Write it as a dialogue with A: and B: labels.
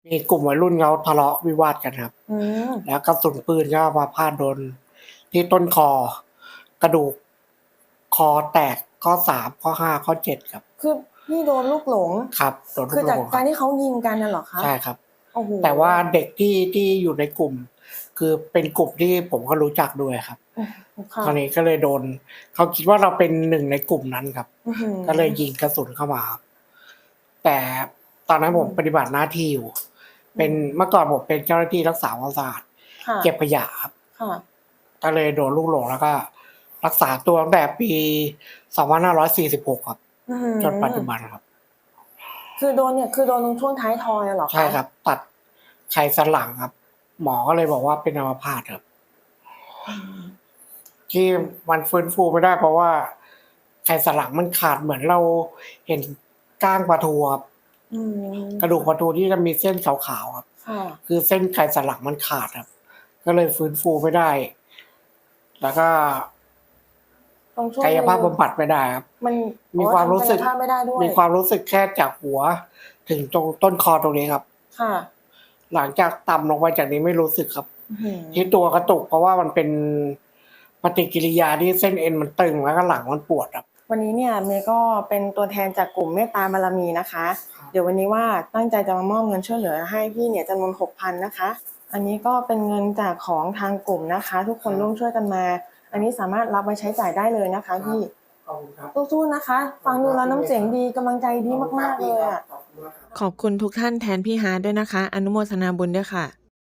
A: มีกลุ่มวัยรุ่นเขาทะเลาะวิวาทกันครับ
B: อืม
A: แล้วกระสุนปืนก็มาพาดโดนที่ต้นคอ กระดูกคอแตกข้อ3ข้อ5ข้อ7ครับ
B: คือพี่โดนลูกหลง
A: ครับ โดนลู
B: คือก
A: หล
B: จาก
A: งค
B: กา
A: รั
B: ร
A: บ
B: ที่เขายิงกันน่ะเหรอคะ?
A: ใช่ครับ
B: โอ้โฮ
A: แต่ว่าเด็กที่อยู่ในกลุ่ม คือเป็นกลุ่มที่ผมก็รู้จักด้วยครับ
B: อือ ค่
A: คราว
B: ะ
A: นี้ก็เลยโดน เขาคิดว่าเราเป็นหนึ่งในกลุ่มนั้นครับ
B: อื้อฮือ
A: ก็เลยยิงกระสุนเข้ามาครับ แต่ตอนนั้นผมปฏิบัติหน้าที่อยู่ เป็น เมื่อก่อนผมเป็นเจ้าหน้าที่รักษาความสะอาด
B: ค่ะ
A: เก็บขยะครับ
B: ค่ะ
A: ก็เลยโดนลูกหลง แล้วก็รักษาตัวตั้งแต่ปี 2546 ครับ
B: อื้อฮือ
A: จนปัจจุบันครับ
B: คือโดนเนี่ย คือโดนตรงช่วงท้ายทอยอะเหรอคะ?
A: ใช่ครับ ตัดไขสันหลังครับ หมอก็เลยบอกว่าเป็นอัมพาตครับ
B: อืม
A: ที่มันฟื้นฟูไม่ได้ เพราะว่าไขสันหลังมันขาด เหมือนเราเห็นก้างปลาทูครับ
B: อืม
A: กระดูกปลาทูที่จะมีเส้นขาวๆครับ
B: ค่ะ
A: คือเส้นไขสันหลังมันขาดครับ ก็เลยฟื้นฟูไม่ได้ แล้วก็
B: ตรงช่วง
A: กายภาพบำบัดไม่ได้ครับ
B: มัน
A: มีความรู้สึก
B: ทำกายภาพไม่ได้ด้วย
A: มีความรู้สึกแค่จากหัวถึงตรงต้นคอตรงนี้ครับ
B: ค่ะ
A: หลังจากต่ำลงไปจากนี้ไม่รู้สึกครับ
B: อื้อฮือ
A: ที่ตัวกระตุก เพราะว่ามันเป็นปฏิกิริยาที่เส้นเอ็นมันตึง แล้วก็หลังมันปวดครับ
B: วันนี้เนี่ยเมย์ก็เป็นตัวแทนจากกลุ่มเมตตาบารมีนะคะ
A: ครับ
B: เดี๋ยววันนี้ว่าตั้งใจจะมามอบเงินช่วยเหลือให้พี่เนี่ยจำนวน 6,000 นะคะ อันนี้ก็เป็นเงินจากของทางกลุ่มนะคะ ทุกคนร่วมช่วยกันมา อันนี้สามารถรับไว้ใช้จ่ายได้เลยนะคะพี่
A: ขอบคุณครับ
B: สู้ๆ นะคะ ฟังดูแล้วน้ำเสียงดี กำลังใจดีมากๆ เลยอะ
A: ขอบคุณมากครับ
B: ขอบคุณทุกท่านแทนพี่ฮาร์ทด้วยนะคะ อนุโมทนาบุญด้วยค่ะ